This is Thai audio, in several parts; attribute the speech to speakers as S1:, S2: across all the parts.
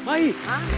S1: เฮ้ย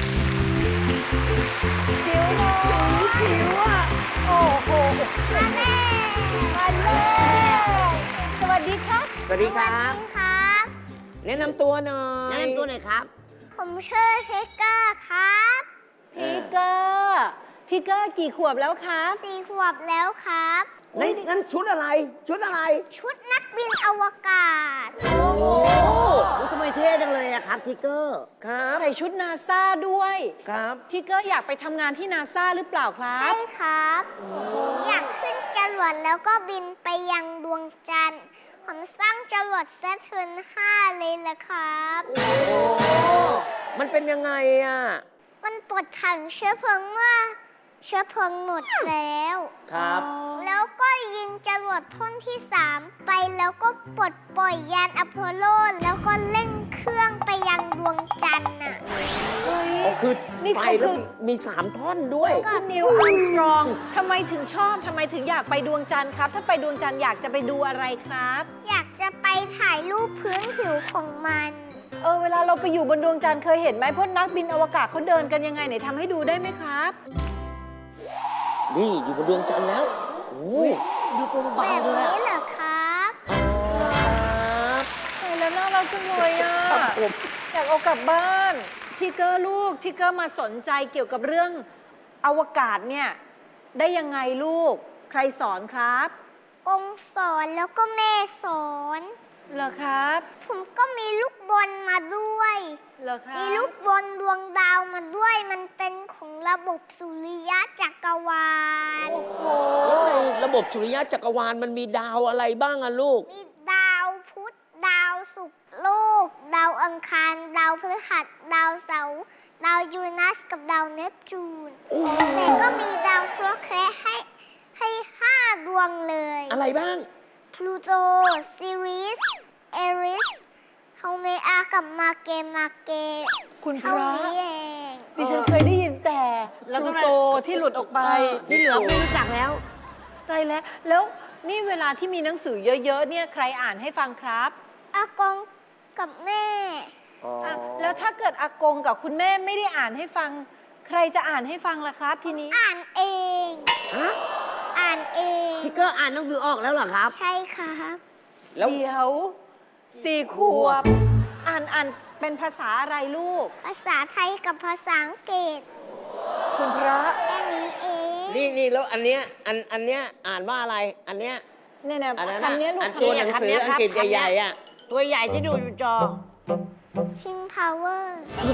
S2: ผิวหนูผิวอ่ะโอ้โหมาแม่มาเลยสวัสดีครับ
S1: สวัสดีครับ
S3: ครับ
S1: แนะนำตัวหน่อย
S4: แนะนำตัวหน่อยครับ
S3: ผมชื่อเทกเกอร์ครับ
S2: ทิกเกอร์กี่ขวบแล้วครับ
S3: 4 ขวบแล้วครับ
S1: นั่นชุดอะไร ชุดอะไร
S3: ชุดนักบินอวกาศ
S1: โอ้
S4: ทำไมเท่จังเลยอะครับทิกเกอร์
S1: ครับ
S2: ใส่ชุดนาซาด้วย
S1: ครับ
S2: ทิกเกอร์อยากไปทำงานที่นาซาหรือเปล่าครั
S3: ใช่
S2: บ
S3: ครับผมอยากขึ้นจรวดแล้วก็บินไปยังดวงจันทร์ ผมสร้างจรวดเซตเทิร์น5เลยละครับ
S1: โอ้มันเป็นยังไงอ่ะ
S3: มันปลดถังเชื้อเพลิงเมื่อเชื้อเพลิงหมดแล้ว
S1: ครับ
S3: แล้วก็ยิงจรวดท่อนที่ 3 ไปแล้วก็ปลดปล่อยยานอพอลโล แล้วก็เร่งเครื่องไปยังดวงจันทร์น่ะ
S1: อ๋อคือ
S2: นี่
S1: ไป
S2: เขา
S1: แล้ว
S2: คือ
S1: มี3 ท่อนด้วย
S2: คุณนิวอาร์มสตรองทำไมถึงชอบทำไมถึงอยากไปดวงจันทร์ครับ ถ้าไปดวงจันทร์อยากจะไปดูอะไรครับ
S3: อยากจะไปถ่ายรูปพื้นผิวของมัน
S2: เวลาเราไปอยู่บนดวงจันทร์เคยเห็นไหมพวกนักบินอวกาศเขาเดินกันยังไงไหนทำให้ดูได้ไหมครับ
S1: นี่อยู่บนดวงจันทร์แล้ว โอ้
S4: ดูตัว
S3: แบ
S4: เบา
S3: บ
S4: ๆเลย
S3: นี้
S4: อะ
S3: เหรอครับ
S1: ครับ
S2: เห็นแล้วน่ารักจังเลยอ่ะ
S1: ครับผม
S2: อยากเอากลับบ้านทิกเกอร์ลูกทิกเกอร์มาสนใจเกี่ยวกับเรื่องอวกาศเนี่ยได้ยังไงลูก ใครสอนครับ
S3: กงสอนแล้วก็แม่สอน
S2: เหรอครับ
S3: ผมก็มีลูกบอลมาด้วย
S2: เหรอครับ
S3: มีลูกบอลดวงดาวมาด้วย มันเป็นของระบบสุริยะจักรวาล
S2: โอ้โห
S1: แล้วในระบบสุริยะจักรวาลมันมีดาวอะไรบ้างอะลูก
S3: มีดาวพุธ ดาวศุกร์โลก ดาวอังคาร ดาวพฤหัส ดาวเสาร์ ดาวยูเรนัสกับดาวเนปจูน แต่ก็มีดาวเคราะห์ให้ 5 ดวงเลย
S1: อะไรบ้าง
S3: พลูโต ซีริส เอริสเฮาเมอากับมาเก
S2: คุณพ
S3: เท่า
S2: ระ
S3: นี้เอง
S2: ดิฉันเคยได้ยินแต่
S4: แล้ว
S2: พ
S4: ก็
S2: ลูโตที่หลุดออกไป
S4: ที่เหลือไม่รู้จักแล้ว
S2: ตายแล้ว แล้วนี่เวลาที่มีหนังสือเยอะๆเนี่ยใครอ่านให้ฟังครับ
S3: อากงกับแม่
S2: อ่ะแล้วถ้าเกิดอากงกับคุณแม่ไม่ได้อ่านให้ฟัง ใครจะอ่านให้ฟังล่ะครับทีนี้
S3: อ่านเอง
S4: ฮะ
S3: อ่านเอง
S4: ทิกเกอร์อ่านหนังสือออกแล้วเหรอครับ
S3: ใช่ครับ
S1: แล้ว
S2: เดี๋ยว4 ขวบ อ่านเป็นภาษาอะไรลูก
S3: ภาษาไทยกับภาษาอังกฤษ
S2: คุณพระ
S3: แค่นี้เอง
S1: นี่แล้วอันเนี้ยอันเนี้ยอ่านว่าอะไร อันเนี้ย
S2: เนี่ยนะ
S1: อันนั้น
S2: คำนี้ลูก
S1: อัน
S2: คำ
S1: ตัว
S2: นี้
S1: หนังสืออังกฤษใหญ่ๆอ่ะ
S4: ตัวใหญ่ที่ดูอยู่จอ
S3: คิงพาวเวอร์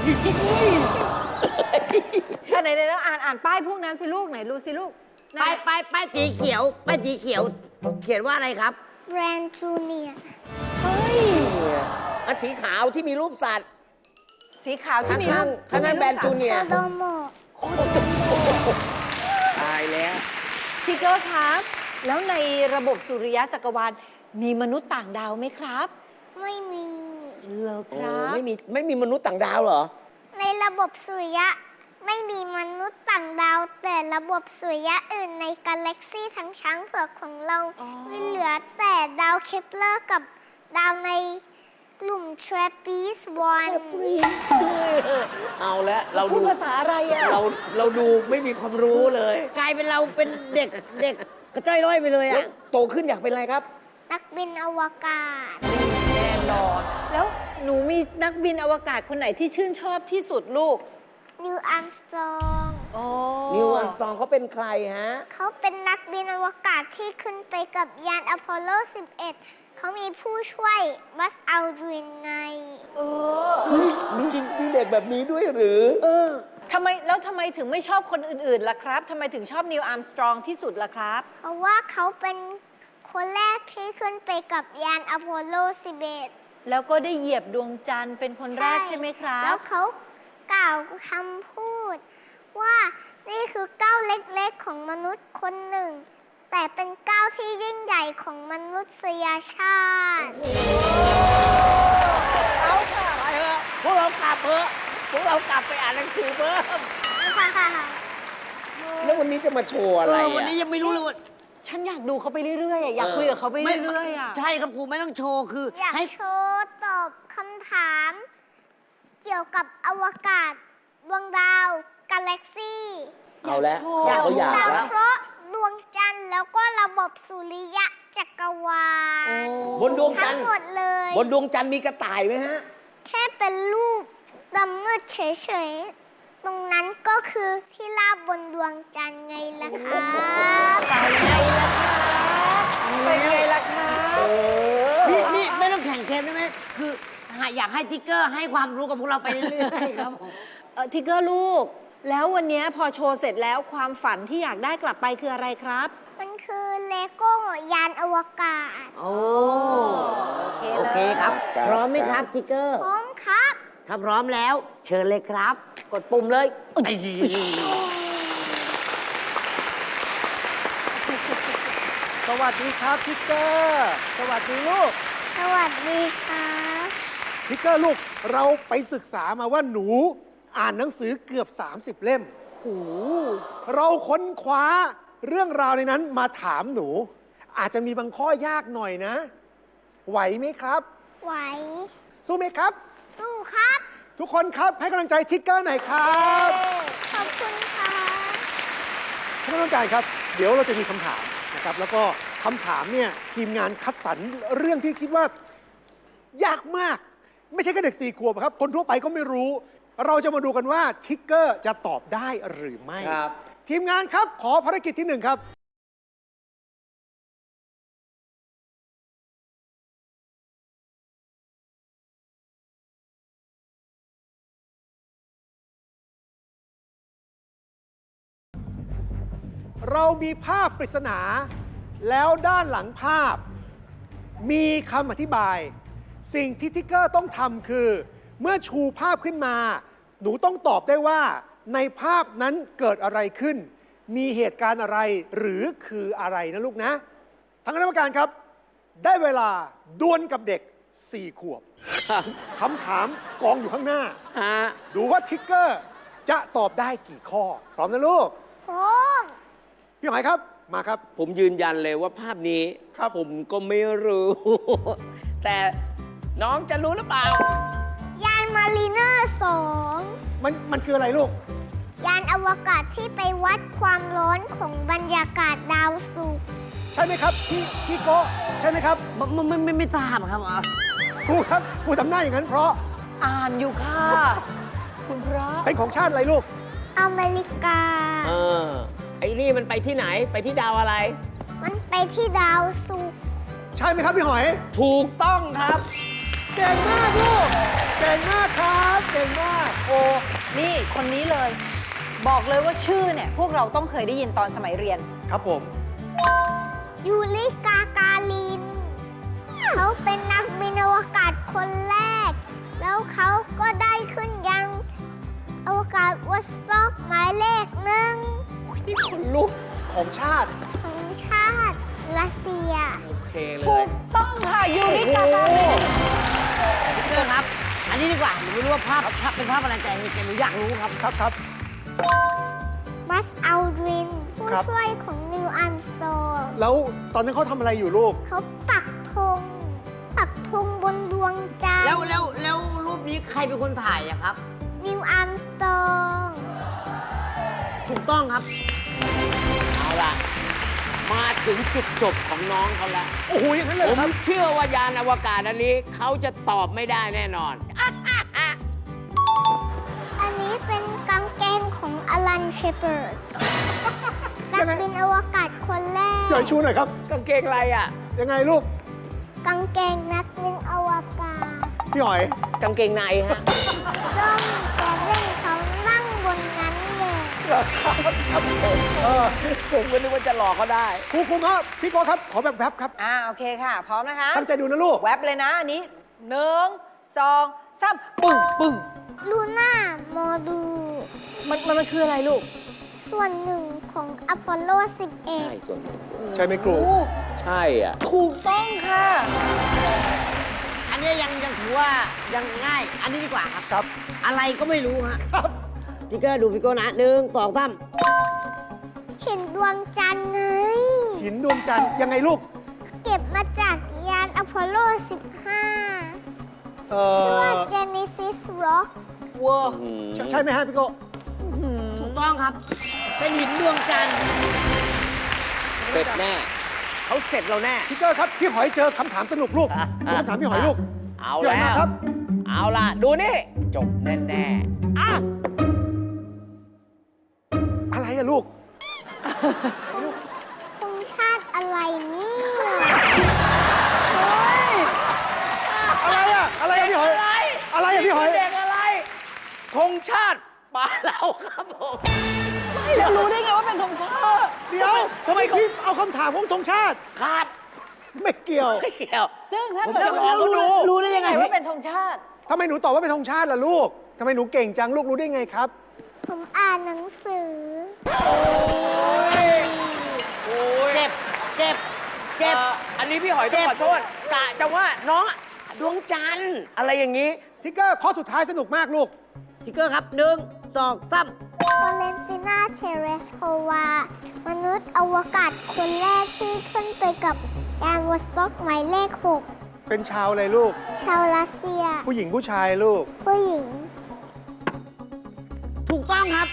S2: ไหนแล้วอ่านป้ายพวกนั้นสิลูกไหนดูสิลูกไหน
S4: ป้ายสีเขียว ป้ายสีเขียว เขียนว่าอะไรครับ
S3: แบรนด์จูเนียร์
S2: เฮ้ย
S1: อันสีขาวที่มีรูปสัตว์
S2: สีขาวที่มีรูป
S1: ข้างๆแบรนด์จูเนีย
S3: โค
S1: ร์
S3: โดโมะ
S1: ตายแล้ว
S2: ทิกเกอร์ครับ แล้วในระบบสุริยะจักรวาลมีมนุษย์ต่างดาวไหมครับ
S3: ไม่มี
S2: เหรอค
S1: โอ้
S2: รับ
S1: ไม่มีมนุษย์ต่างดาวเหรอ
S3: ในระบบสุริยะไม่มีมนุษย์ต่างดาว แต่ระบบสุริยะอื่นในกาแล็กซี่ทั้งช้างเผือกของเรา
S2: อ๋อ
S3: ไม่เหลือแต่ดาวเคปเลอร์กับดาวในกลุ่มทร a ปีสวัน
S1: เอาละเรา
S2: พู
S1: ดู
S2: ดภาษาอะไรอ่ะ
S1: เราดูไม่มีความรู้เลย
S4: กลายเป็นเราเป็นเด็กกระจ้อยร้อยไปเลย
S1: แล้ว
S4: อะ
S1: โตขึ้นอยากเป็นอะไรครับ
S3: นักบินอวกาศ
S2: แน่นอน แล้วหนูมีนักบินอวกาศคนไหนที่ชื่นชอบที่สุดลูก
S3: นิวอัมสตรอง
S2: อ๋อ
S1: นิวอัลสตรองเขาเป็นใครฮะ
S3: เขาเป็นนักบินอวกาศที่ขึ้นไปกับยานอพอลโล 11 เขามีผู้ช่วยบัสอัลดรินไง
S2: เออ
S1: มีเด็กแบบนี้ด้วยหรือ
S2: ทำไมถึงไม่ชอบคนอื่นๆล่ะครับทำไมถึงชอบนิวอาร์มสตรองที่สุดล่ะครับ
S3: เพราะว่าเขาเป็นคนแรกที่ขึ้นไปกับยานอพอลโล 11
S2: แล้วก็ได้เหยียบดวงจันทร์เป็นคนแรกใช่ไหมครั
S3: แล้
S2: บ
S3: วเขากล่าวคำพูด ว่านี่คือก้าวเล็กๆของมนุษย์คนหนึ่ง แต่เป็นก้าวที่ยิ่งใหญ่ของมนุษยชาติ
S2: เอาค่ะ
S1: ไปเถอะพวกเรากลับเถอะพวกเรากลับไปอ่านหนังสือเพิ่มแล้ววันนี้จะมาโชว์อะไร
S4: วัน
S1: อ่ะ
S4: นี้ยังไม่รู้เลยว่า
S2: ฉันอยากดูเขาไปเรื่อยๆอะอยากคุยกับเขาไปเรื่อยๆอะ
S4: ใช่ครับครูไม่ต้องโชว์คือ
S3: อยาก
S4: ให้
S3: โชว์ตอบคำถามเกี่ยวกับอวกาศ ดวงดาว กาแล็กซี่
S1: เอาแล้ว
S2: อยากโชว์
S1: เขาอยาก
S3: ดาว
S1: แล้ว
S3: เคราะห์ดวงจันทร์แล้วก็ระบบสุริยะจักรวาล
S1: บนดวงจั
S3: ทั้
S1: น
S3: ง
S1: ทร์
S3: หมดเลย
S1: บนดวงจันทร์มีกระต่ายไหมฮะ
S3: แค่เป็นรูปดำมืดเฉยๆ ตรงนั้นก็คือที่ลาบบนดวงจันทร์ไงล่ะคะ
S2: เป็นไงล่ะคะ
S4: นี่ไม่ต้องแข่งเกมได้ไหมคืออยากให้ทิกเกอร์ให้ความรู้กับพวกเราไปเรื่อยๆครับผม
S2: ทิกเกอร์ลูก แล้ววันนี้พอโชว์เสร็จแล้วความฝันที่อยากได้กลับไปคืออะไรครับ
S3: มันคือเลโก้ยานอวกาศ
S4: โอ้
S2: โอเค
S4: โอ
S2: เลย
S4: เคครับ
S1: ครับ
S4: พร้อมไหมครับทิกเกอร์
S3: พร้อมครับ
S4: ถ้าพร้อมแล้ว เชิญเลยครับ
S2: กดปุ่มเลย
S5: สวัสดีครับทิกเกอร์สวัสดีลูก
S3: สวัสดีครับ
S5: ทิกเกอร์ลูกเราไปศึกษามาว่าหนูอ่านหนังสือเกือบ 30 เล่ม
S2: โห
S5: เราค้นคว้าเรื่องราวในนั้นมาถามหนู อาจจะมีบางข้อยากหน่อยนะ ไหวไหมครับ
S3: ไหว
S5: สู้ไหมครับ
S3: สู้ครับ
S5: ทุกคนครับให้กำลังใจทิกเกอร์หน่อยครับ
S3: ขอบคุณครับ
S5: ท่านผู้การครับ เดี๋ยวเราจะมีคำถามนะครับ แล้วก็คำถามเนี่ยทีมงานคัดสรรเรื่องที่คิดว่ายากมาก ไม่ใช่แค่เด็ก4 ขวบครับ คนทั่วไปก็ไม่รู้ เราจะมาดูกันว่าทิกเกอร์จะตอบได้หรือไม่
S1: ครับ
S5: ทีมงานครับขอภารกิจที่ 1 ครับ เรามีภาพปริศนา แล้วด้านหลังภาพ มีคำอธิบาย สิ่งที่ทิกเกอร์ต้องทำคือ เมื่อชูภาพขึ้นมา หนูต้องตอบได้ว่า ในภาพนั้นเกิดอะไรขึ้น มีเหตุการณ์อะไรหรือคืออะไรนะลูกนะทางคณะกรรมการครับ ได้เวลาดวลกับเด็ก 4 ขวบคำถามกองอยู่ข้างหน้า
S1: ฮะ
S5: ดูว่าทิกเกอร์จะตอบได้กี่ข้อ พร้อมนะลูก
S3: พร้อม
S5: พี่หอยครับมาครับ
S1: ผมยืนยันเลยว่าภาพนี้
S5: ครับ
S1: ผมก็ไม่รู้ แต่น้องจะรู้หรือเปล่า
S3: ยานมารีเนอร์
S5: มันคืออะไรลูก
S3: 2 ยานอวกาศที่ไปวัดความร้อนของบรรยากาศดาวศุกร์
S5: ใช่ไหมครับพี่โกะใช่ไหมครับ
S4: ไม่ทราบครับ
S5: ครูครับครูทำหน้าอย่างนั้นเพราะ
S2: อ่านอยู่ค่ะ คุณพระ
S5: เป็นของชาติอะไรลูก
S3: อเมริกา
S1: เออ ไอ้นี่มันไปที่ไหน ไปที่ดาวอะไร
S3: มันไปที่ดาวศุกร์
S5: ใช่ไหมครับพี่หอย
S1: ถูกต้องครับ
S5: เก่งมากลูกเก่งมากครับเก่งมากโอ้
S2: นี่คนนี้เลย บอกเลยว่าชื่อเนี่ย พวกเราต้องเคยได้ยินตอนสมัยเรียน
S5: ครับผม
S3: ยูริกากาลิน เขาเป็นนักบินอวกาศคนแรก แล้วเขาก็ได้ขึ้นยังอวกาศวอสต็อกหมายเลข 1
S1: นี่คนลุก
S5: ของชาติ
S3: ของชาติรัสเซีย
S1: โอเคเล
S2: ถู
S1: ย
S2: กต้องค่ะยูริกากาลิน
S4: ทิกเกอร์ครับ อันนี้ดีกว่าหนูไม่รู้ว่าภาพเป็นภาพอะไรแต่หนูอยากรู้ครับ
S5: ครับ
S3: บัสอัลดริน ผู้
S5: ครับ
S3: ช่วยของนิวอัมสโตร์
S5: แล้วตอนนั้นเขาทำอะไรอยู่ลูก
S3: เขาปักธงบนดวงจันท
S4: แล้ว
S3: ร์
S4: แล้วรูปนี้ใครเป็นคนถ่ายอะครับ
S3: นิวอัมสโตร์
S4: ถูกต้องครับ
S1: เอาล่ะ มาถึงจุดจบของน้องเขาแล้ว
S5: โอ้โหอย่างนั้นเลย
S1: ผ
S5: เหรอ
S1: ม
S5: ครับ
S1: เชื่อว่ายานอวกาศอันนี้เขาจะตอบไม่ได้แน่นอน
S3: อันนี้เป็นกางเกงของอลันเชเปิร์ด นักบินอวกาศคนแรก
S5: หน่อยชูหน่อยครับ
S1: กางเกงอะไรอ่ะ
S5: ยังไงลูก
S3: กางเกงนักบินอวกาศ
S5: พี่หอย
S1: กางเกงในฮะ
S3: ด้อมแซเว่นเขานั่งบนนั้นเลย
S1: ผมก็นึกว่าจะหลอกเขาได้
S5: ครูครับพี่โกะครับ ขอแบบแวบครับ
S2: โอเคค่ะ พร้อมนะคะ
S5: ตั้งใจดูนะลูก
S2: แวบเลยนะอันนี้ 1 2 3 ปึ้งปึ้ง
S3: ลูน่าโมดูล
S2: มันคืออะไรลูก
S3: ส่วนหนึ่งของอพอลโล
S1: ใช่ส่วนหนึ่ง
S5: ใช่ไหมครู
S1: ใช่อ่ะ
S2: ถูกต้องค่ะ
S4: อันนี้ยังถือว่ายังง่าย อันนี้ดีกว่าครับ
S5: ครับ
S4: อะไรก็ไม่รู้ฮะ
S5: ครับ
S4: ทิกเกอร์ดูพี่โก้นะ1 2 3
S3: 11 เห็นดวงจันทร์ไง
S5: หินดวงจันทร์ยังไงลูก
S3: เก็บมาจากยานอพอลโล 15 ชื่อว่า Genesis Rock
S2: วัว
S5: ใช่ไหมฮะพี่โก้
S4: ถูกต้องครับ เป็นหินดวงจันทร์
S1: เสร็จแน่ เขาเสร็จเราแน่
S5: ทิกเกอร์ครับ พี่หอยเจอคำถามสนุกลูกดูคำถามพี่หอยลูก
S1: เอา
S5: พี่หอย
S1: แล้
S5: มาว ครับ
S1: เอาล่ะ ดูนี่ จบแน่ๆอ่ะ
S5: อะไรอะลูก
S3: ธงชาติอะไรเนี่ย
S5: อะไรอะอะไรอะพี่หอย
S1: อะไร
S5: อะไรอะพี่หอย
S1: เด็กอะไรธงชาติป่าเราครับผม
S2: ไม่แล้วรู้ได้ไงว่าเป็นธงชาติ
S5: เดี๋ยว
S1: ทำไมเขา
S5: พี่เอาคำถามของธงชาติ
S1: ขาด
S5: ไม่เกี่ยว
S1: ไม่เกี่ยว
S2: ซึ่งถ้า
S1: ผม
S2: เกิด
S1: จะรอเขาดู
S2: รู้ได้ยังไงว่าเป็นธงชาติ
S5: ทำไมหนูตอบว่าเป็นธงชาติล่ะลูกทำไมหนูเก่งจังลูกรู้ได้ไงครับ
S3: ผมอ่านหนังสือ
S1: โอ้ย
S4: เจ็บ เจ็บ เจ็บ
S1: อันนี้พี่หอยต้องขอโทษกะจะว่าน้องดวงจันทร์อะไรอย่างนี้
S5: ทิกเกอร์ข้อสุดท้ายสนุกมากลูก
S4: ทิกเกอร์ครับ 1 2 3
S3: วาเลนตินาเชเรสโความนุษย์อวกาศคนแรกที่ขึ้นไปกับยานวอสต็อกหมายเลข
S5: เป็นชาวอะไรลูก
S3: 6 ชาวรัสเซีย
S5: ผู้หญิงผู้ชายลูก
S3: ผู้หญิง
S4: ถูกต้องครับ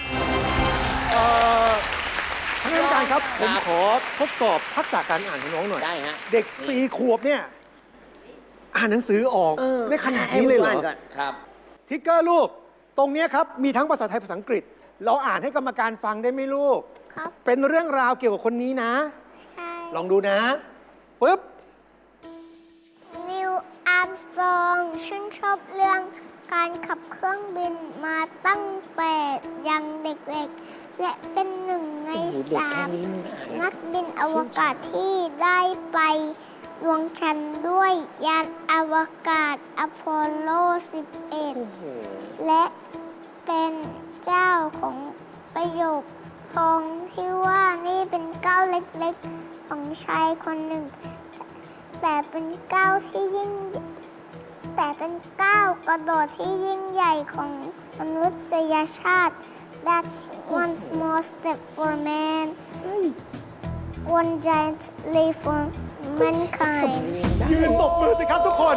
S5: ท่านอาจารย์ครับ ผมขอทดสอบทักษะการอ่านของน้องหน่อย
S1: ได้ฮะ
S5: เด็ก4 ขวบเนี่ย อ่านหนังสือออกได้ขนาดนี้เลยเหรอ
S1: ครับ
S5: ทิกเกอร์ลูก ตรงเนี้ยครับ มีทั้งภาษาไทยภาษาอังกฤษ เราอ่านให้กรรมการฟังได้ไหมลูก
S3: ครับ
S5: เป็นเรื่องราวเกี่ยวกับคนนี้นะ
S3: ใช่
S5: ลองดูนะปึ๊บ
S3: นิวอาร์มสตรองชื่นชอบเรื่องการขับเครื่องบินมาตั้งแต่ยังเด็กๆ และเป็นหนึ่งใน 3 นักบินอวกาศที่ได้ไปดวงจันทร์ด้วยยานอวกาศอพอลโล 11 และเป็นเจ้าของประโยคทองที่ว่านี่เป็นก้าวเล็กๆ ของชายคนหนึ่ง แต่เป็นก้าวที่ยิ่ง แต่เป็นก้าวกระโดดที่ยิ่งใหญ่ของมนุษยชาติ That's one small step for man one giant leap for mankind
S5: ยืนตบมือสิครับทุกคน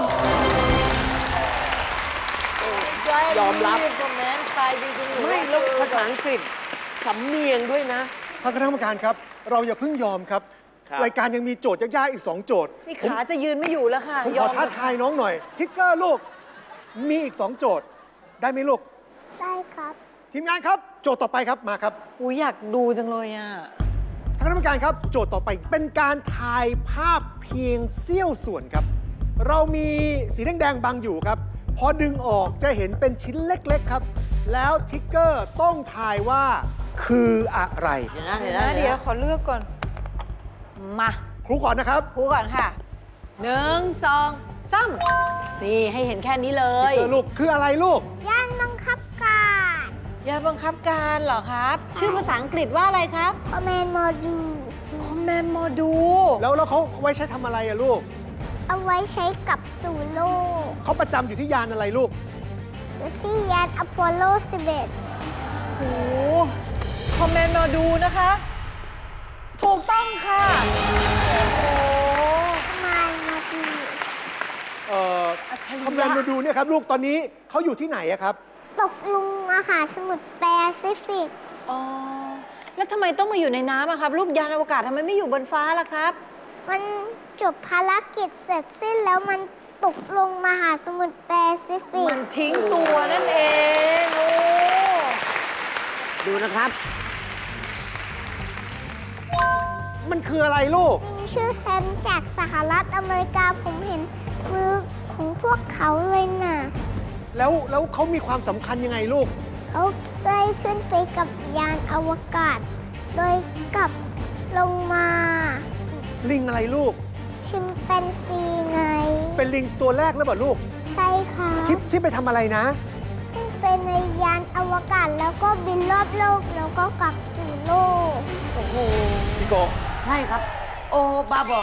S1: ยอมรับ
S2: คอมเมนต์ใครจริงๆ
S1: ไม่แล้วภาษาอังกฤษสำเนียงด้วยนะ
S5: ท่านคณะกรรมการครับ เราอย่าเพิ่งยอมครับ
S1: ครับ
S5: รายการยังมีโจทย์ยากๆอีก 2 โจทย์
S2: นี่ขาจะยืนไม่อยู่แล้วค่ะ
S5: ผม
S2: ย
S5: ข
S2: อ
S5: อ
S2: ม
S5: ท้าทายน้องหน่อย ทิกเกอร์ลูก มีอีก 2 โจทย์ ได้ไหมลูก
S3: ได้ครับ
S5: ทีมงานครับ โจทย์ต่อไปครับ มาครับ
S2: อูอยากดูจังเลยอ่ะ
S5: ท่านคณะกรรมการครับ โจทย์ต่อไปเป็นการถ่ายภาพเพียงเสี้ยวส่วนครับ เรามีสีแดงๆบังอยู่ครับ พอดึงออกจะเห็นเป็นชิ้นเล็กๆครับ แล้วทิกเกอร์ต้องทายว่าคืออะไร
S4: เดี๋ยวนะ
S2: เดี๋
S4: เดี๋
S2: ย
S4: ยว ว
S2: นะ
S4: นะ
S2: เดี๋ยวขอเลือกก่อน มา
S5: ครูก่อนนะครับ
S2: ครูก่อนค่ะ 1 2 3 นี่ให้เห็นแค่นี้เลย
S5: ทิกเกอร์ลูกคืออะไรลูก
S3: ย่านบังคับการ
S2: ยาบังคับการเหรอครับ ชื่อภาษาอังกฤษว่าอะไรครับ
S3: คอมเมนต์โมดู
S2: Command Module
S5: แล้วเขาไว้ใช้ทำอะไรอะลูก
S3: เอาไว้ใช้กับสู่โลก
S5: เขาประจำอยู่ที่ยานอะไรลูก
S3: หรือที่ยานอพอลโล
S2: โอ้คอมเมนต์มาดูนะคะ ถูกต้องค่ะ โอ้
S3: 11 มาดู
S2: อัจฉริ
S5: คอมแมน
S2: ยะ
S5: มาดูเนี่ยครับลูกตอนนี้เขาอยู่ที่ไหนอะครับ
S3: ตกลุงมหาสมุทรแปซิฟิก
S2: อ๋อ แล้วทำไมต้องมาอยู่ในน้ำอะครับ ลูกยานอวกาศทำไมไม่อยู่บนฟ้าล่ะครับ
S3: มันจบภารกิจเสร็จสิ้นแล้วมันตกลงมหาสมุทรแปซิฟิก
S2: มันทิ้งตัวนั่นเอง โอ้
S4: ดูนะครับ
S5: มันคืออะไรลูก
S3: ลิงชื่อแฮมจากสหรัฐอเมริกาผมเห็นมือของพวกเขาเลยน่ะ
S5: แล้วเขามีความสำคัญยังไงลูก
S3: เขาได้ขึ้นไปกับยานอวกาศ โดยกลับลงมา
S5: ลิงอะไรลูก
S3: ชิมแปนซีไง
S5: เป็นลิงตัวแรกหรือเปล่าลูก
S3: ใช่ค่ะ
S5: ที่ไปทำอะไรนะ
S3: ขึ้นไปในยานอวกาศแล้วก็บินรอบโลกแล้วก็กลับสู่โลก
S2: โอ้โห
S5: พี่โก
S4: ใช่ครับ โอ้บ้าบอ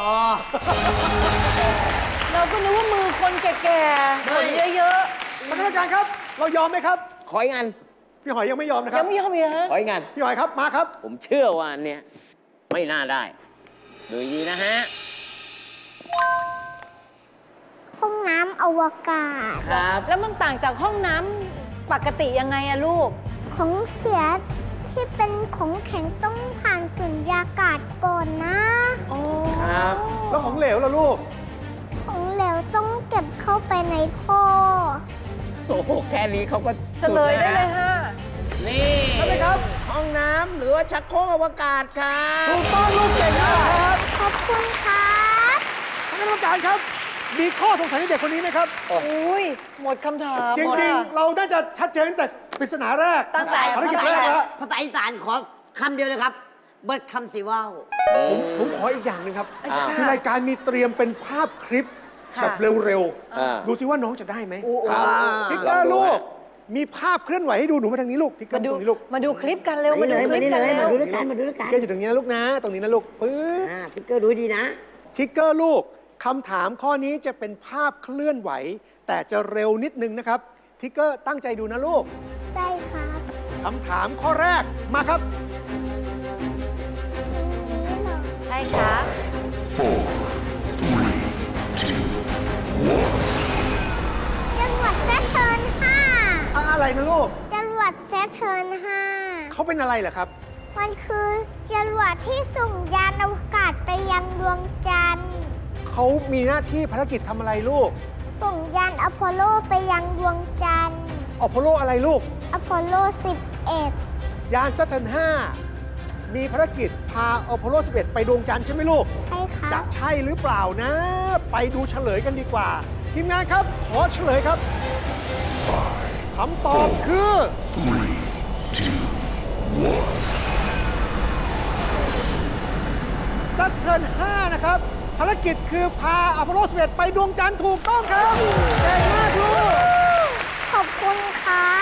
S2: เราก็นึกว่ามือคนแก่ๆขนเยอะ
S5: ท่านคณะกรรมการครับ เรายอมไหมครับ
S1: ขออีกอัน
S5: พี่หอยยังไม่ยอมนะ
S2: ๆ
S5: ครั
S2: ยั
S5: บ
S2: งไม่ยอมอีกฮะ
S1: ขออีกอัน
S5: พี่หอยครับ มาครับ
S1: ผมเชื่อว่าอันเนี้ยไม่น่าได้ ดูดีนะฮะ
S3: ห้องน้ำอวกาศ
S1: ครับ
S2: แล้วมันต่างจากห้องน้ำปกติยังไงอะลูก
S3: ของเสียที่เป็นของแข็งต้องผ่านสุญญากาศก่อนนะ
S2: โอ้
S1: ครับ
S5: แล้วของเหลวล่ะลูก
S3: ของเหลวต้องเก็บเข้าไปในท่อ
S1: โอ้โห แค่นี้เขาก็
S2: เฉ
S1: สุด
S2: ลย
S1: แล้ว
S2: ได้เลย
S1: นะ
S2: ฮะ
S1: นี่
S5: ใช่ไหมครับ
S1: ห้องน้ำหรือว่าชักโครกอวกาศครับ
S5: ถูกต้องลูกเก่งมากครับ
S3: ขอบคุณครับ
S5: ท่านคณะกรรมการครับ มีข้อสงสัยในเด็กคนนี้ไหมครับ
S2: อุ้ย หมดคำถาม
S5: จริง ๆ เราน่าจะชัดเจนตั้งแต่ปริศนาแรก
S2: ตั้งแต่
S5: ภารกิจแรกแล้ว
S4: ภาษาอีสานขอคำเดียวเลยครับ เบิดคำสิว่าว
S5: ผมขออีกอย่างหนึ่งครับ
S1: อ่า
S5: คือรายการมีเตรียมเป็นภาพคลิป
S2: ค่ะ
S5: แบบเร็ว
S1: อ่า
S5: ๆ ดูซิว่าน้องจะได้ไหม
S2: อู้
S1: ครับ
S5: ทิกเกอร์ลูก มีภาพเคลื่อนไหวให้ดูหนูมาทางนี้ลูกทิกเกอ
S2: มา
S5: ร์
S2: ดู
S5: ตรงนี้ลูก
S2: มาดูคลิปกันเร็ว
S4: มา
S2: มาดู
S4: เลย
S2: คลิปกัน
S4: มาเลย
S2: เร็ว
S4: มาดูด้วยกันมาดูด้วยกัน
S5: ทิกเกอร์อยู่ตรงนี้นะลูกนะ ตรงนี้นะลูกปึ๊บ
S4: ทิกเกอร์ดูดีนะ
S5: ทิกเกอร์ลูกคำถามข้อนี้จะเป็นภาพเคลื่อนไหว แต่จะเร็วนิดนึงนะครับทิกเกอร์ตั้งใจดูนะลูก
S3: ได้ครับ
S5: คำถามข้อแรกมาครับ
S3: ตรงนี้เหรอ
S2: ใช่ครับ
S3: จรวดแซทเทิร์น5
S5: อะไรนะลูก
S3: จรวดแซทเทิร์น
S5: เขาเป็นอะไรเหรอครับ
S3: 5มันคือจรวดที่ส่งยานอวกาศไปยังดวงจันทร์
S5: เขามีหน้าที่ภารกิจทำอะไรลูก
S3: ส่งยานอพอลโลไปยังดวงจันทร์
S5: อพอลโลอะไรลูก
S3: อพอลโล 11
S5: ยานซัตเทิร์น5 มีภารกิจพาอพอลโล 11 ไปดวงจันทร์ใช่ไหมลูก
S3: ใช่ครั
S5: จะ
S3: บ
S5: ใช่หรือเปล่านะ ไปดูเฉลยกันดีกว่า ทีมงานครับ ขอเฉลยครับคำตอบคือซัตเทิร์น5 นะครับ ภารกิจคือพาอพอลโล 11 ไปดวงจันทร์ถูกต้องครับเก่งมากลูก
S3: ขอบคุณครับ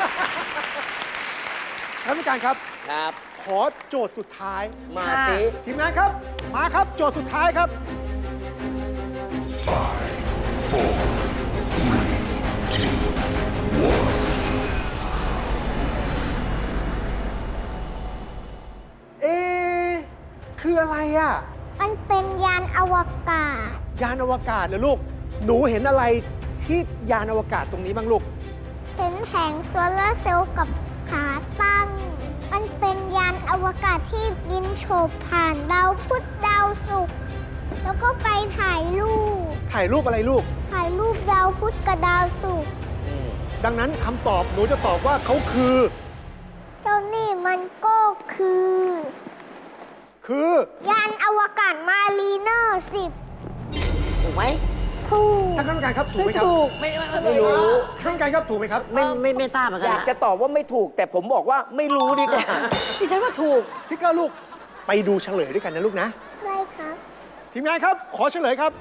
S5: ท่านผู้การครับ
S1: ครับ
S5: ขอโจทย์สุดท้าย
S1: มาสิ
S5: ทีมงานครับ มาครับ โจทย์สุดท้ายครับ เอะคืออะไรอ่ะ
S3: มันเป็นยานอวกาศ
S5: ยานอวกาศเหรอลูก หนูเห็นอะไรที่ยานอวกาศตรงนี้บ้างลูก
S3: เป็นแผงโซลาร์เซลล์กับขาตั้ง มันเป็นยานอวกาศที่บินโฉบผ่านดาวพุธดาวศุกร์แล้วก็ไปถ่ายรูป
S5: ถ่ายรูปอะไรลูก
S3: ถ่ายรูปดาวพุธกับดาวศุกร์
S5: ดังนั้นคำตอบหนูจะตอบว่าเขาคือ
S3: เจ้านี่มันก็คือ ยานอวกาศมารีเนอร์10
S4: ถูกไหม
S3: ถูก
S5: ท่านคณะกรรมการครับถูกไหมครับ
S2: ถูก
S1: ไม่รู้
S5: ท่านคณะกรรมการครับถูกไหมครับ
S4: ไม่ทราบเหมือนกั
S1: อน ยาก
S4: นะ
S1: จะตอบว่าไม่ถูก แต่ผมบอกว่าไม่รู้ดีกว่า
S2: ดิฉันว่าถูก
S5: ทิกเกอร์ลูกไปดูเฉลยด้วยกันนะลูกนะ
S3: ได้ครับ
S5: ทีมงานครับ ขอเฉลยครับ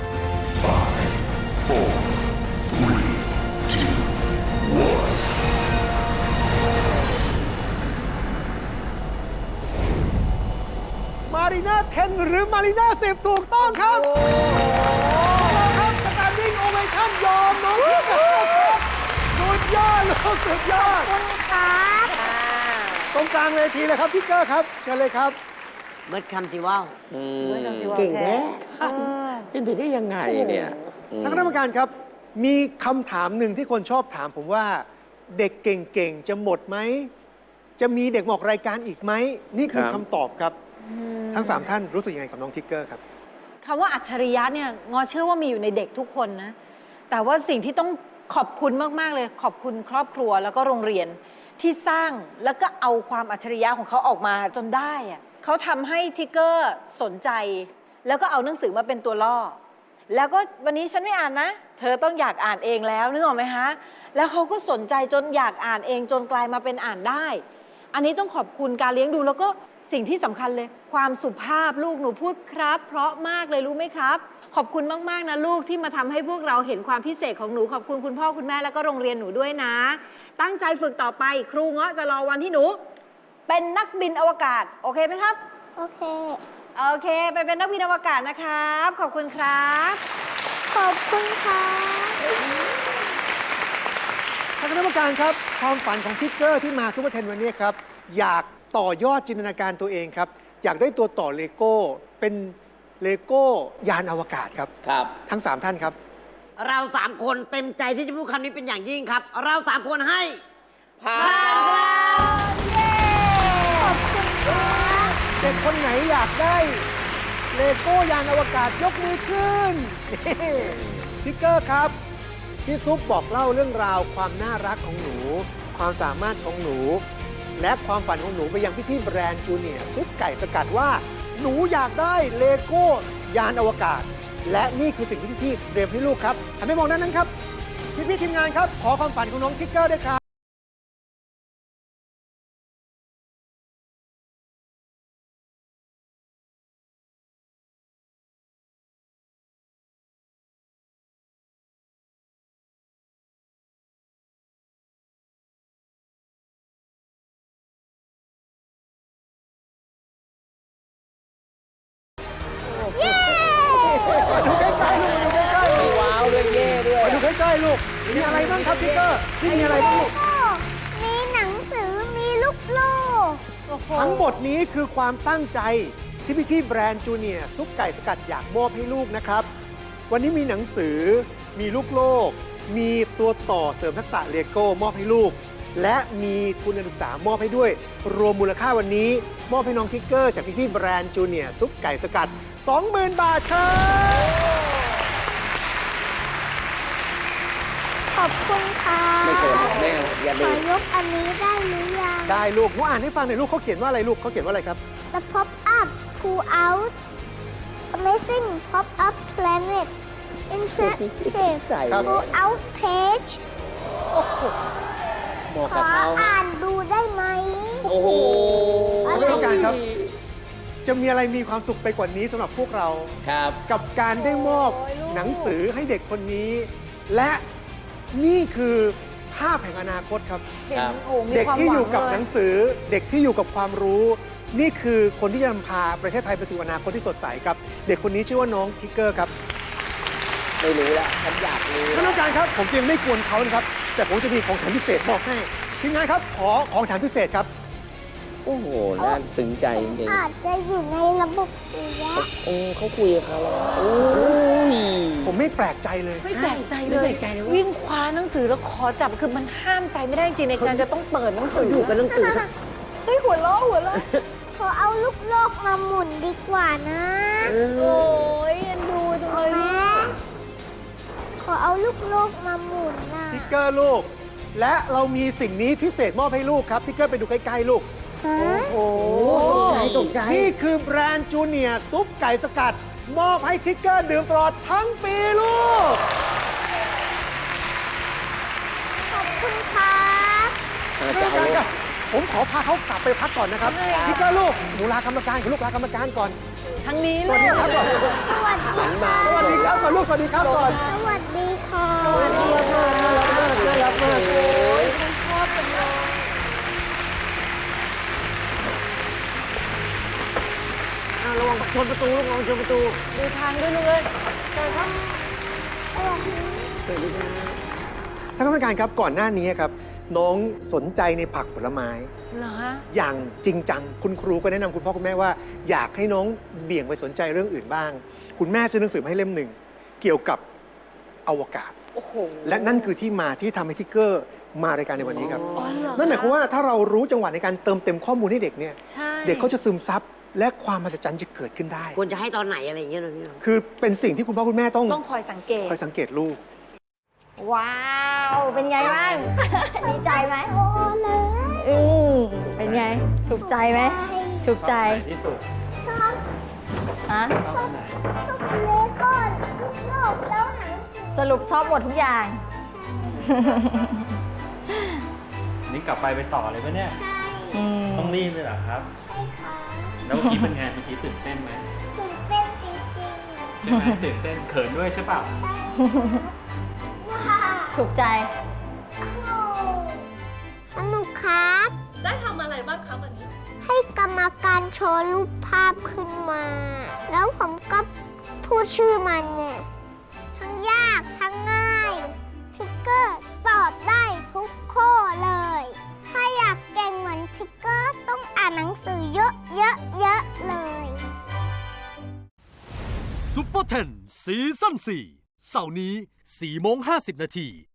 S5: มารีนา10 หรือมารีนา10 ถูกต้องครับถูกต้องครับสแตนดิ้งโอเวชั่นยอมน้องทิกเกอร์ครับสุดยอดลูกสุดยอด
S3: ขอบคุณครับ
S5: ตรงกลางเวทีเลยครับทิกเกอร์ครับเชิญเลยครับ
S4: เบิดคำสิว่าว
S2: เบิดคำสิว่าว
S4: เก่งแท้
S1: เป็นไปได้ยังไงเนี่ย
S5: ท่านคณะกรรมการครับ มีคำถามหนึ่งที่คนชอบถามผมว่า เด็กเก่งๆ จะหมดไหม จะมีเด็กมาออกรายการอีกไหม นี่คือ
S1: ครับ
S5: คำตอบครับ ทั้ง 3 ท่านรู้สึกยังไงกับน้องทิกเกอร์ครับ
S2: คำว่าอัจฉริยะเนี่ยงอเชื่อว่ามีอยู่ในเด็กทุกคนนะ แต่ว่าสิ่งที่ต้องขอบคุณมากๆเลย ขอบคุณครอบครัวแล้วก็โรงเรียนที่สร้างแล้วก็เอาความอัจฉริยะของเขาออกมาจนได้อะเขาทำให้ทิกเกอร์สนใจ แล้วก็เอาหนังสือมาเป็นตัวล่อ แล้วก็วันนี้ฉันไม่อ่านนะ เธอต้องอยากอ่านเองแล้วนึกออกไหมคะ แล้วเขาก็สนใจจนอยากอ่านเองจนกลายมาเป็นอ่านได้ อันนี้ต้องขอบคุณการเลี้ยงดูแล้วก็สิ่งที่สำคัญเลย ความสุภาพลูกหนูพูดครับ เพราะมากเลยรู้ไหมครับ ขอบคุณมากๆนะลูกที่มาทำให้พวกเราเห็นความพิเศษของหนูขอบคุณคุณพ่อคุณแม่แล้วก็โรงเรียนหนูด้วยนะ ตั้งใจฝึกต่อไปครูเงาะจะรอวันที่หนู เป็นนักบินอวกาศโอเคไหมครับ
S3: โอเค
S2: โอเค ไปเป็นนักบินอวกาศนะครับ ขอบคุณครับ
S3: ขอบคุณครับ
S5: ท่านคณะกรรมการครับ ความฝันของทิกเกอร์ที่มาซูเปอร์เทนวันนี้ครับ อยากต่อยอดจินตนาการตัวเองครับ อยากได้ตัวต่อเลโก้ เป็นเลโก้ยานอวกาศครับ
S1: ครับ
S5: ทั้ง 3 ท่านครับ
S4: เราสามคนเต็มใจที่จะพูดคำนี้เป็นอย่างยิ่งครับ เราสามคนให้
S1: ผ่าน
S5: เด็กคนไหนอยากได้เลโก้ยานอวกาศยกมือขึ้น นี่ทิกเกอร์ครับ พี่ซุปบอกเล่าเรื่องราวความน่ารักของหนู ความสามารถของหนู และความฝันของหนูไปยังพี่ๆแบรนด์จูเนียร์ซุปไก่สกัดว่าหนูอยากได้เลโก้ยานอวกาศ และนี่คือสิ่งที่พี่ๆเตรียมให้ลูกครับหันไปมองด้านนั้นครับพี่ๆทีมงานครับขอความฝันของน้องทิกเกอร์ด้วยครับ มาดูใกล้ๆลูกมาดูใกล้ๆ
S1: มีว้าวด้วยเย่ด้วย
S5: มาดูใกล้ๆลูก มีอะไรบ้างครับทิกเกอร์นี่มีอะไรบ้างลูก
S3: มีหนังสือ มีลูกโลก
S2: โอ้โห
S5: ทั้งหมดนี้คือความตั้งใจที่พี่ๆแบรนด์จูเนียร์ซุปไก่สกัดอยากมอบให้ลูกนะครับ วันนี้มีหนังสือ มีลูกโลก มีตัวต่อเสริมทักษะเลโก้มอบให้ลูก และมีทุนการศึกษามอบให้ด้วย รวมมูลค่าวันนี้มอบให้น้องทิกเกอร์จากพี่ๆแบรนด์จูเนียร์ซุปไก่สกัด 20,000 บาทครับ
S3: ขอบคุณค่ะ
S1: ไม่สนแม่อย่า
S3: ข
S1: ดู
S3: อยกอันนี้ได้หรือยัง
S5: ได้ลูกหนูอ่านให้ฟังหน่อยลูกเขาเขียนว่าอะไรลูกเขาเขียนว่าอะไรครับ
S3: The pop-up pull out amazing pop-up planets interactive
S5: ครับ
S3: pull out page
S2: โอ้โห
S1: บอก
S3: ข
S1: กับ
S3: อ
S1: เขา
S3: อ่านดูได้ไหม
S1: โอ้โห
S5: ท่านผู้การครับ จะมีอะไรมีความสุขไปกว่านี้สำหรับพวกเรา
S1: ครับ
S5: กับการได้มอบ
S2: โอ้ยลูก
S5: หนังสือให้เด็กคนนี้ และนี่คือภาพแห่งอนาคตครับ
S2: เห็น
S1: ครับ
S2: โอ้มี
S5: เด็ก
S2: ความ
S5: ที่
S2: หวั
S5: อยู่
S2: ง
S5: กับ
S2: เล
S5: หนังสือ เด็กที่อยู่กับความรู้ นี่คือคนที่จะนำพาประเทศไทยไปสู่อนาคตที่สดใสครับ เด็กคนนี้ชื่อว่าน้องทิกเกอร์ครับ
S1: ไม่รู้ละฉันอยากรู้
S5: ท่านผู้การครับ ผมยังไม่กวนเขานะครับ แต่ผมจะมีของแถมพิเศษมอบให้ทีมงานครับ ขอของแถมพิเศษครับ
S1: โอ้โห น่าซึ้งใจจริง
S3: อาจจะอยู่ในระบบสุริยะ
S1: ๆโอ้เขาคุยกับเขาแล้วโอ้ย
S5: ผมไม่แปลกใจเลย
S2: ไม่แปลกใจเลย
S4: ไม่แปลกใจเลยว่า
S2: วิ่งคว้าหนังสือแล้วขอจับคือมันห้ามใจไม่ได้จริงในการจะต้องเปิดหนังสือ
S4: อยู่กับหนังสือ
S2: เฮ้ยหัวเราะหัวเราะ
S3: ขอเอาลูกโลกมาหมุนดีกว่านะ
S2: โอ้ยเอ็นดูจังเลย
S3: แม่ขอเอาลูกโลกมาหมุนนะ
S5: ทิกเกอร์ลูก และเรามีสิ่งนี้พิเศษมอบให้ลูกครับทิกเกอร์ไปดูใกล้ๆลูก
S3: ฮะ
S2: โอ้
S4: ตกใจ
S5: นี่คือแบรนด์จูเนียร์ซุปไก่สกัด มอบให้ทิกเกอร์ดื่มตลอดทั้งปีลูก
S3: ขอบคุณครับ
S1: อาจจะเอา
S5: ผมขอพาเขากลับไปพักก่อนนะครับทิกเกอร์ลูกหนูลากรรมการกับลูกลากรรมการก่อน
S2: ทั้งนี้
S5: ส
S2: เล
S5: วัส
S2: ย
S5: ดีครับก่อน
S3: สวัสดี
S1: หันมา
S5: สวัสดีครับก่อนลูกสวัสดีครับก่อน
S3: สวัสดีค่ะ
S2: สวัสดีค่ะ
S5: น่ารักมาก
S2: โอ้ยฉันชอบจังเลย
S4: ระวังชนประตูลูกระวังชนประตู
S2: ดูทางด้วยลูกเอ้ย
S5: ท่านกรรมการครับก่อนหน้านี้ครับน้องสนใจในผักผลไม้
S2: เหรอฮะ
S5: อย่างจริงจังคุณครูก็แนะนำคุณพ่อคุณแม่ว่าอยากให้น้องเบี่ยงไปสนใจเรื่องอื่นบ้าง คุณแม่ซื้อหนังสือมาให้เล่มหนึ่งเกี่ยวกับอวกาศ
S2: โอ้โห
S5: และนั่นคือที่มาที่ทำให้ทิกเกอร์มารายการในวันนี้ครับ
S2: อ๋อเหรอ
S5: นั่นหมายความว่าถ้าเรารู้จังหวะในการเติมเต็มข้อมูลให้เด็กเนี่ย
S2: ใช่
S5: เด็กเขาจะซึมซับและความมหัศจรรย์จะเกิดขึ้นได้
S4: ควรจะให้ตอนไหนอะไรอย่างเงี้ยนะพี่น้อง
S5: คือเป็นสิ่งที่คุณพ่อคุณแม่ต้อง
S2: ต้องคอยสังเกต
S5: คอยสังเกตลูก
S6: ว้าว เป็นไงบ้าง ดีใจไหม
S3: โอ้เลย
S6: เป็นไง ถูกใจไหม ถูกใจ
S3: ชอบ
S6: ฮะ
S3: ชอบเลโก้ลูกโลกแล้วหนังสือ
S6: สรุปชอบหมดทุกอย่าง
S7: นี่กลับไปต่อเลยปะเนี่ย
S3: ใช่
S6: อืม
S7: ต้องรีบเลยเหรอครับ
S3: ใช่ค่ะ
S7: แล้วเมื่อกี้เป็นไง เมื่อกี้ตื่นเต้นไหม
S3: ตื่นเต้นจริง
S7: ใช่ไหมตื่นเต้นเขินด้วยใช่เปล่า
S3: ๆ ใช่ว้าว
S6: ถูกใจ
S3: สนุกครับ
S8: ได้ทำอะไรบ้างคะวันนี้
S3: ให้กรรมการโชว์รูปภาพขึ้นมา แล้วผมก็พูดชื่อมันเนี่ย ทั้งยากทั้งง่ายทิกเกอร์ตอบได้ทุกข้อเลย ถ้าอยากเก่งเหมือนทิกเกอร์ต้องอ่านหนังสือเยอะๆเลย
S9: ซุปเปอร์เทนซีซั่น4 เสาร์นี้4:50 น.